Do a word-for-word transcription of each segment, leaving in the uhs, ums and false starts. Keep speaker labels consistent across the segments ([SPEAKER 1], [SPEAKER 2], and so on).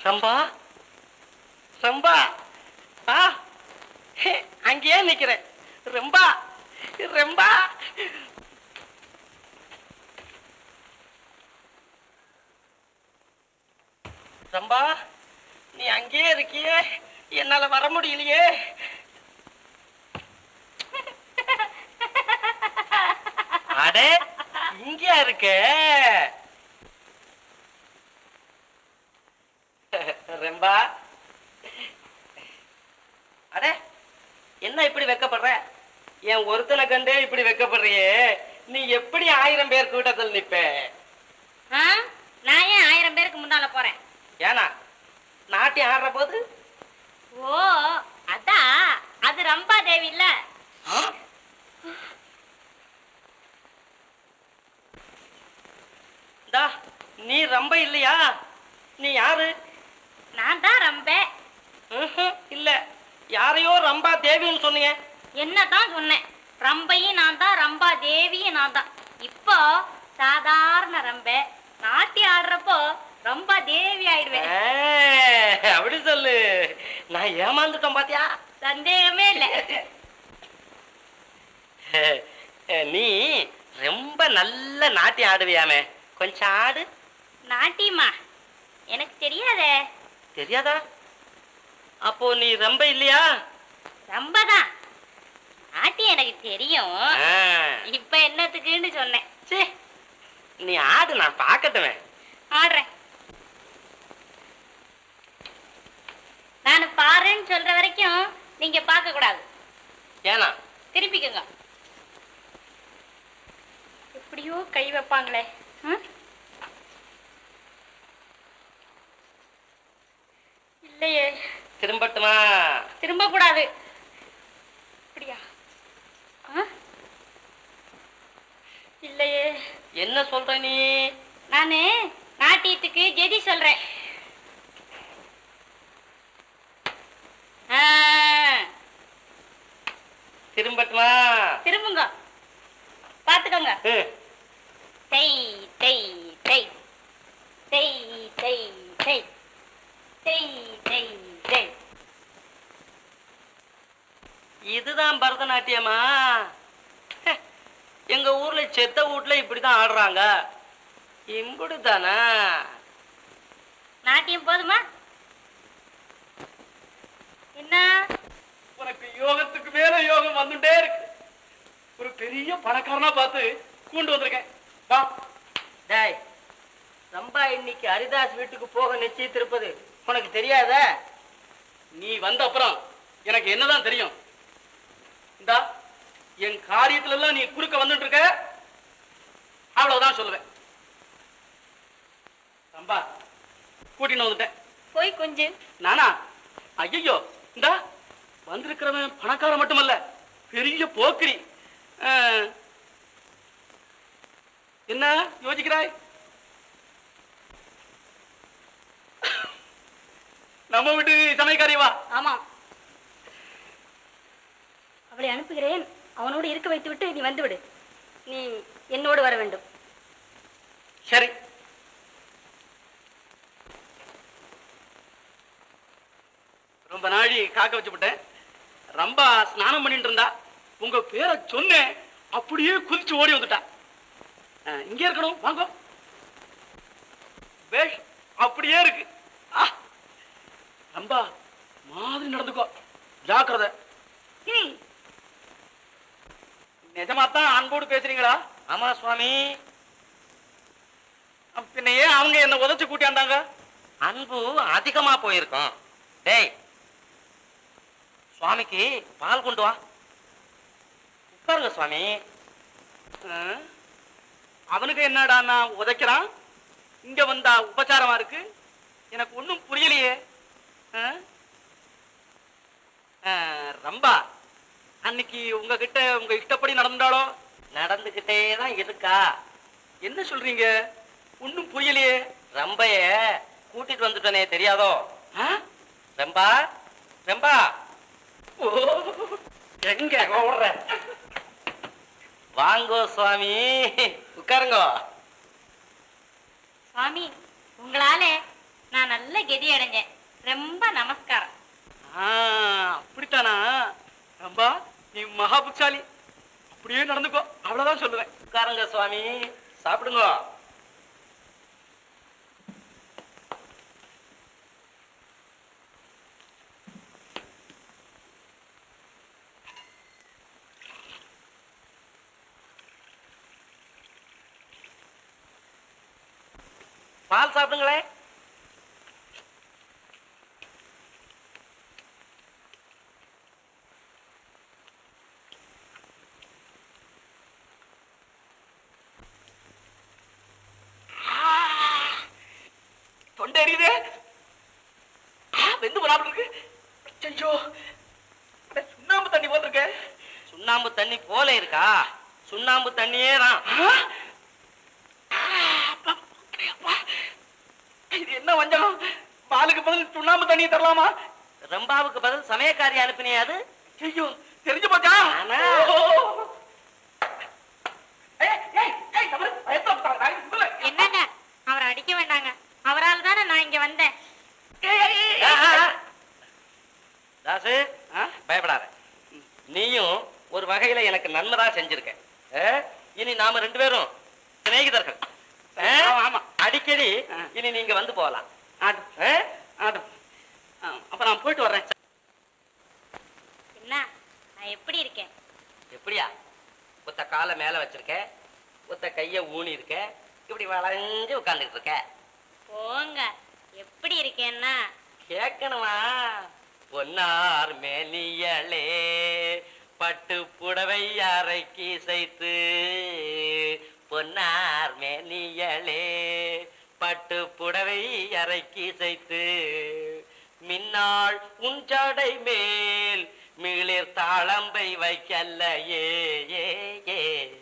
[SPEAKER 1] ரம்பா ரம்பா ஆ அங்கேயே நிக்கிறேன். ரம்பா ரம்பா ரம்பா நீ அங்கேயே இருக்கியே, என்னால வர முடியலையே. அடே இங்கேயா இருக்க? ரம்பா அடே என்ன இப்படி வெக்கப்படுற? என் ஒருத்தனை கண்டே இப்படி வெக்கப்படுறியே, நீ எப்படி ஆயிரம் பேர் கூட்டத்தில் நிப்ப?
[SPEAKER 2] நான் ஏன் ஆயிரம் பேருக்கு முன்னால போறேன்?
[SPEAKER 1] ஏனா நாட்டியம் ஆடுற போது?
[SPEAKER 2] ஓ அதான், அது ரம்பா தேவி இல்ல.
[SPEAKER 1] நீ ரம்ப இல்லையா? நீ யாரு?
[SPEAKER 2] நான் தான் ரம்பே.
[SPEAKER 1] இல்ல, யாரையோ ரம்பா தேவின்னு சொன்னீங்க.
[SPEAKER 2] என்னதான் சொன்னேன், ரம்பையும் நான் தான், ரம்பா தேவியும் நான் தான். இப்போ சாதாரண ரம்பே, நாட்டி ஆடுறப்போ ரம்பா தேவி ஆயிடுவேன்.
[SPEAKER 1] அப்படி சொல்லு. நான் ஏமாந்துட்டோம் பாத்தியா?
[SPEAKER 2] சந்தேகமே இல்ல.
[SPEAKER 1] நீ ரொம்ப நல்ல நாட்டியம் ஆடுவியாமே, கொஞ்சம் ஆடு.
[SPEAKER 2] நாட்டியமா? எனக்கு தெரியாதே.
[SPEAKER 1] தெரியாதா? அப்போ நீ ரொம்ப இல்லையா?
[SPEAKER 2] ரொம்பதான். நாட்டியம் எனக்கு தெரியும். இப்ப என்னத்துக்குன்னு சொன்னேன்.
[SPEAKER 1] சே, நீ ஆடு, நான் பாக்கட்டுமே.
[SPEAKER 2] ஆடுறேன். நான் பாருன்னு சொல்ற வரைக்கும் நீங்க பார்க்க கூடாது.
[SPEAKER 1] ஏனா?
[SPEAKER 2] திருப்பிக்கங்க. எப்படியோ கை வைப்பாங்களே. இல்லையே.
[SPEAKER 1] திரும்பட்டுமா?
[SPEAKER 2] திரும்ப கூடாது. அப்படியா? இல்லையே.
[SPEAKER 1] என்ன சொல்ற நீ?
[SPEAKER 2] நானு நாட்டியத்துக்கு ஜெதி சொல்றேன்.
[SPEAKER 1] திரும்பட்டுமா?
[SPEAKER 2] திரும்புங்க, பாத்துக்கோங்க. தெய் தெய் தெய் தெய் தெய் தெய் தெய் தெய் தெய்.
[SPEAKER 1] இதுதான் பரதநாட்டியமா? எங்க ஊர்ல செத்த வீட்டுல இப்படிதான் ஆடுறாங்க. இம்புடுதானா?
[SPEAKER 2] நாட்டியம் போதுமா? என்ன
[SPEAKER 3] உனக்கு யோகத்துக்கு மேல யோகம் வந்துட்டே இருக்கு. ஒரு பெரிய பணக்காரனா பார்த்து கூண்டு வந்திருக்கேன். வா.
[SPEAKER 1] டேய், ரம்பா இன்னைக்கு ஹரிதாஸ் வீட்டுக்கு போக நிச்சயித்திருப்பது உனக்கு தெரியாத?
[SPEAKER 3] நீ வந்த அப்புறம் எனக்கு என்னதான் தெரியும்? இந்தா என் காரியத்துல எல்லாம் நீ குறுக்க வந்துட்டு இருக்க, அவ்வளவுதான் சொல்லுவேன். ரம்பா கூட்டின்னு வந்துட்டேன்.
[SPEAKER 2] போய் கொஞ்சம்.
[SPEAKER 3] நானா? ஐயோ, இந்தா வந்திருக்கிறவன் பணக்காரன் மட்டுமல்ல, பெரிய போக்கிரி. என்ன யோசிக்கிறாய்? நம்ம வீட்டு சமையக்காரி வா.
[SPEAKER 2] ஆமா, அவளை அனுப்புகிறேன். அவனோடு இருக்க வைத்து விட்டு நீ வந்து விடு. நீ என்னோடு வர வேண்டும்.
[SPEAKER 3] சரி. ரொம்ப நாழி காக்க வச்சுவிட்டேன். ரம்பா ஸ்நானம் பண்ணிட்டு இருந்தா, உங்க பேரை சொன்னேன், அப்படியே குதிச்சு ஓடி வந்துட்டா. இங்கே இருக்கணும், வாங்க. பேஷ், அப்படியே இருக்கு. ரம்பா மாதிரி நடந்துக்கோ, ஜாக்கிரதை. நிஜமாத்தான் அன்போடு பேசுறீங்களா?
[SPEAKER 1] ஆமா சுவாமி.
[SPEAKER 3] பின்ன ஏன் அவங்க என்ன உதச்சு கூட்டியாண்டாங்க?
[SPEAKER 1] அன்பு அதிகமா போயிருக்கோம். டேய், சுவாமிக்கு பால் கொண்டு வா. உட்காருங்க சுவாமி.
[SPEAKER 3] அவனுக்கு என்னடா நான் உதைக்கிறான், இங்க வந்தா உபச்சாரமா இருக்கு. எனக்கு ஒன்னும் புரியலையே. ரம்பா அன்னைக்கு உங்ககிட்ட உங்க இஷ்டப்படி நடந்தாலோ?
[SPEAKER 1] நடந்துகிட்டே தான் இருக்கா.
[SPEAKER 3] என்ன சொல்றீங்க? ஒன்னும் புரியலையே.
[SPEAKER 1] ரம்பைய கூட்டிட்டு வந்துட்டனே, தெரியாதோ? ரம்பா ரம்பா
[SPEAKER 3] எங்க ஓடுற?
[SPEAKER 1] வாங்கோ சுவாமி, உட்காருங்கோ.
[SPEAKER 2] சுவாமி, உங்களால நான் நல்ல கெதி அடைஞ்சேன். ரொம்ப நமஸ்காரம்.
[SPEAKER 3] ஆ, அப்படித்தானா? ரம்பா, நீ மகா புட்சாலி. அப்படியே நடந்துக்கோ, அவ்வளவுதான் சொல்லுவேன்.
[SPEAKER 1] உட்காருங்க சுவாமி, சாப்பிடுங்க. பால் சாப்பிடுங்களேன்.
[SPEAKER 3] தொண்டை எரியுதே. வெந்து போனாப்புல இருக்கு. ஐயோ, சுண்ணாம்பு தண்ணி போல் இருக்க.
[SPEAKER 1] சுண்ணாம்பு தண்ணி போல இருக்கா? சுண்ணாம்பு தண்ணியே தான்.
[SPEAKER 3] இது என்ன வஞ்சகம்? பாலுக்கு பதில் சுண்ணாம்பு தண்ணி தரலாமா?
[SPEAKER 1] ரம்பாவுக்கு பதில் சமயக்காரி அனுப்பினே அது.
[SPEAKER 3] ஐயோ, தெரிஞ்சு போச்சா?
[SPEAKER 1] ஆனா.
[SPEAKER 2] என்னங்க, அவரை அடிக்க வேண்டாங்க. அவரால் தானே நான் இங்க வந்தேன்.
[SPEAKER 1] தாசு, பயப்படாத. நீயும் ஒரு வகையில எனக்கு நன்மைதா செஞ்சிருக்க. இனி நாம ரெண்டு பேரும் சிநேகிதர்கள்.
[SPEAKER 3] ஆமா,
[SPEAKER 1] அடிக்கடி இனி நீங்க வந்து போகலாம்.
[SPEAKER 3] அப்ப நான் போயிட்டு வர்றேன்.
[SPEAKER 2] என்ன, நான் எப்படி இருக்கேன்?
[SPEAKER 1] எப்படியா? ஒத்த காலை மேல வச்சிருக்க, ஒத்த கைய ஊனி இருக்க, இப்படி வளைஞ்சு உட்கார்ந்துட்டு இருக்க.
[SPEAKER 2] போங்க, எப்படி இருக்கேன்னா
[SPEAKER 1] கேட்கணுமா? பொன்னார் மேனியளே பட்டு புடவை அரைக்கி சைத்து, பொன்னார் மேனியளே பட்டு புடவை அரைக்கி சைத்து, மின்னாள் உன் ஜடை மேல் மிளிர் தாளம்பை வைக்கல்ல ஏ ஏ ஏ.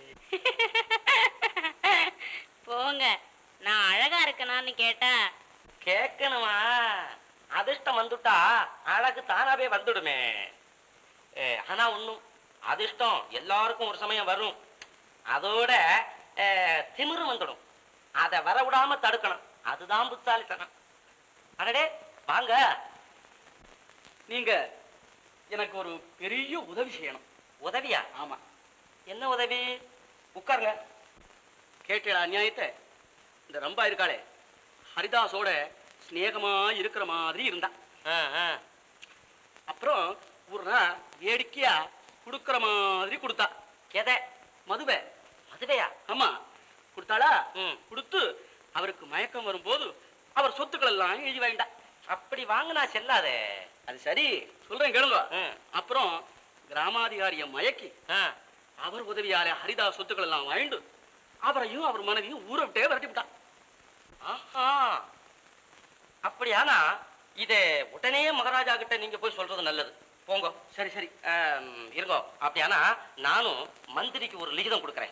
[SPEAKER 2] போங்க, நான் அழகா இருக்கனான்னு கேட்டேன்.
[SPEAKER 1] கேட்கணுமா? அதிர்ஷ்டம் வந்துட்டா அழகு தானாவே வந்துடுமே. ஆனா ஒண்ணும், அதிர்ஷ்டம் எல்லாருக்கும் ஒரு சமயம் வரும். அதோட திமிரும் வந்துடும். அதை வரவிடாம தடுக்கணும். அதுதான் புத்தாலித்தனம். அடடே வாங்க.
[SPEAKER 3] நீங்க எனக்கு ஒரு பெரிய உதவி செய்யணும்.
[SPEAKER 1] உதவியா?
[SPEAKER 3] ஆமா.
[SPEAKER 1] என்ன உதவி? உட்காருங்க.
[SPEAKER 3] கேட்டா அநியாயத்தை? இந்த ரம்பா இருக்காளே, ஹரிதாஸோட ஸ்நேகமா இருக்கிற மாதிரி இருந்தா. அப்புறம் ஒரு நாள் வேடிக்கையா கொடுக்கற மாதிரி கொடுத்தா.
[SPEAKER 1] எதை?
[SPEAKER 3] மதுவை.
[SPEAKER 1] மதுவையா?
[SPEAKER 3] ஆமா, கொடுத்தாளா?
[SPEAKER 1] ம்.
[SPEAKER 3] கொடுத்து அவருக்கு மயக்கம் வரும்போது அவர் சொத்துக்கள் எல்லாம் எழுதி வாங்கிட்டா.
[SPEAKER 1] அப்படி வாங்கினா செல்லாதே.
[SPEAKER 3] அது சரி, சொல்றேன் கேளுங்க.
[SPEAKER 1] ம்.
[SPEAKER 3] அப்புறம் கிராமாதிகாரிய மயக்கி
[SPEAKER 1] ஆ.
[SPEAKER 3] அவர் உதவியாலே ஹரிதாஸ் சொத்துக்கள் எல்லாம் வாங்கிட்டு அவரையும் அவர் மனைவியும் ஊரை விட்டே விரட்டி விட்டான்.
[SPEAKER 1] ஆஹா, அப்படியானா இதை உடனே மகாராஜா கிட்ட நீங்க போய் சொல்றது நல்லது. போங்க.
[SPEAKER 3] சரி சரி,
[SPEAKER 1] இருங்கோ. அப்படியானா நானும் மந்திரிக்கு ஒரு லிகிதம் கொடுக்கறேன்.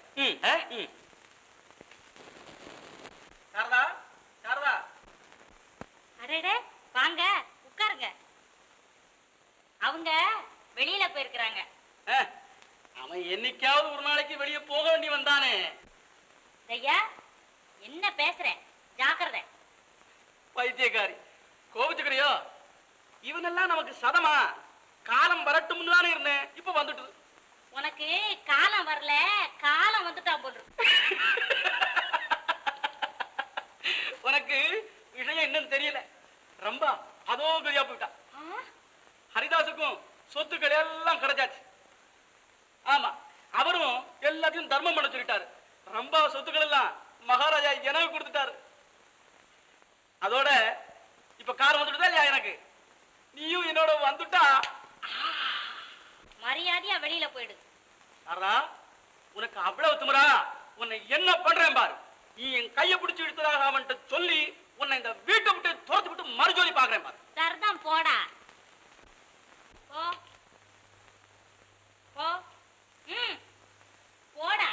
[SPEAKER 3] சாரதா, சாரதா.
[SPEAKER 2] அடடே, வாங்க உட்காருங்க. அவங்க வெளியில போயிருக்கிறாங்க.
[SPEAKER 3] அவன் என்னைக்காவது ஒரு நாளைக்கு வெளியே போக வேண்டி வந்தானே.
[SPEAKER 2] ஐயா, என்ன பேசுறேன், ஜாக்கிரதை.
[SPEAKER 3] பைத்தியக்காரி, கோபிச்சுக்கிறியோ? இவனெல்லாம் நமக்கு சதமா? காலம் வரட்டும் தானே இருந்தேன், இப்ப வந்துட்டு.
[SPEAKER 2] உனக்கு காலம் வரல, காலம் வந்துட்டான் போல்.
[SPEAKER 3] உனக்கு விஷயம் என்னன்னு தெரியல. ரொம்ப அதோ கதியா போயிட்டான். ஹரிதாஸுக்கும் சொத்துக்கள் எல்லாம் கிடைச்சாச்சு. ஆமா, அவரும் எல்லாத்தையும் தர்மம் பண்ண சொல்லிட்டாரு. ரொம்ப சொத்துக்கள் எல்லாம் மகாராஜா எனக்கு கொடுத்துட்டாரு. அதோட இப்ப கார் வந்துட்டுதா இல்லையா எனக்கு? நீயும் என்னோட வந்துட்டா
[SPEAKER 2] மரியாதையா வெளியில போயிடு.
[SPEAKER 3] சாரதா, உனக்கு அவ்வளவு திமிரா? உன்னை என்ன பண்றேன் பாரு. நீ என் கையை பிடிச்சு எடுத்ததாக அவன்கிட்ட சொல்லி உன்னை இந்த வீட்டை விட்டு துரத்து விட்டு மறுஜோலி பாக்குறேன் பாரு.
[SPEAKER 2] சரிதான், போடா. போ போ. ம், போடா.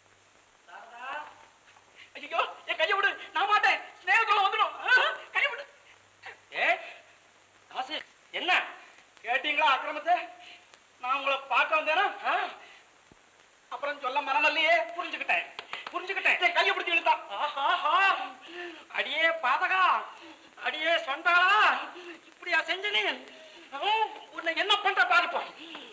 [SPEAKER 3] ஐயோ, என் கையை விடு. நான் மாட்டேன். ஸ்நேகத்தோட வந்துடும். கையை விடு. ஏ காசு, என்ன கேட்டீங்களா அக்கிரமத்தை? நான் உங்களை பார்க்க வந்தேனா? அப்புறம் சொல்ல மரணல்லையே. புரிஞ்சுக்கிட்டேன் புரிஞ்சுக்கிட்டேன். கையை பிடிச்சி இழுத்தான். அடியே பாதகா, அடியே சொந்தாளா, இப்படியா செஞ்ச நீ? ஹம், உன்னை என்ன பண்ற பாருப்போம்.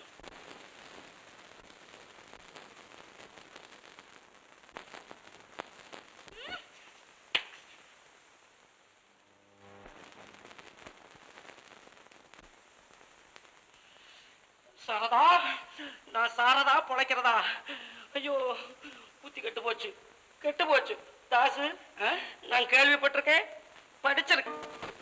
[SPEAKER 3] சாரதா, நான் சாரதா பொழைக்கிறதா? ஐயோ, புத்தி கெட்டு போச்சு, கெட்டு போச்சு. தாசு, ஆ? நான் கேள்விப்பட்டிருக்கேன், படிச்சிருக்கேன்.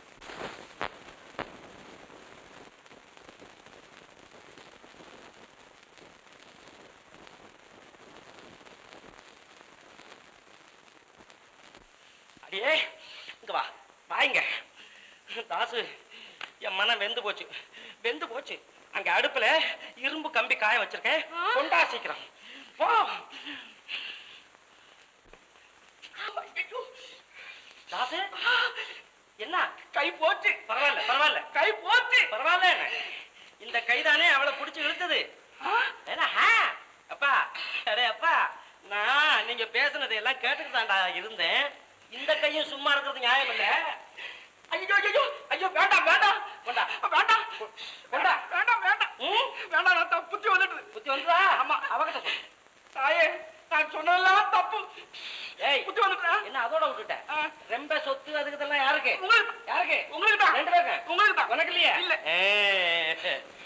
[SPEAKER 3] அடியே இங்க வா, வாங்க. தாசு, என் மனம் வெந்து போச்சு, வெந்து போச்சு. அங்க அடுப்புல இரும்பு கம்பி காய வச்சிருக்கேன், கொண்டா சீக்கிரம் போ. தாசு, என்ன கை போச்சு? பரவாயில்ல பரவாயில்ல, கை போச்சு பரவாயில்ல. இந்த கைதானே அவளை புடிச்சு இழுத்தது. ஏன்னா அப்பா, அடே அப்பா, நான் நீங்க பேசுனதை எல்லாம் கேட்டுட்டு தான்டா இருந்தேன். இந்த கையும் சும்மா இருக்கிறது நியாயம் இல்ல. ஐயோ ஐயோ ஐயோ, வேண்டாம் வேண்டாம் வேண்டாம் வேண்டாம் வேண்டாம் வேண்டாம் வேண்டாம் வேண்டாம். நான் தப்பு, புத்தி வந்துட்டு புத்தி வந்துதா? ஆமா, அவகிட்ட சொல்லு. தாயே, நான் சொன்னதெல்லாம் தப்பு. ஏய், புத்தி வந்துட்டா? என்ன அதோட விட்டுட்டேன்? ரொம்ப சொத்து அதுக்கு இதெல்லாம் யாருக்கு? உங்களுக்கு. யாருக்கு? உங்களுக்கு தான். ரெண்டு பேருக்கு. உங்களுக்கு தான். உனக்கு இல்லையா? இல்ல.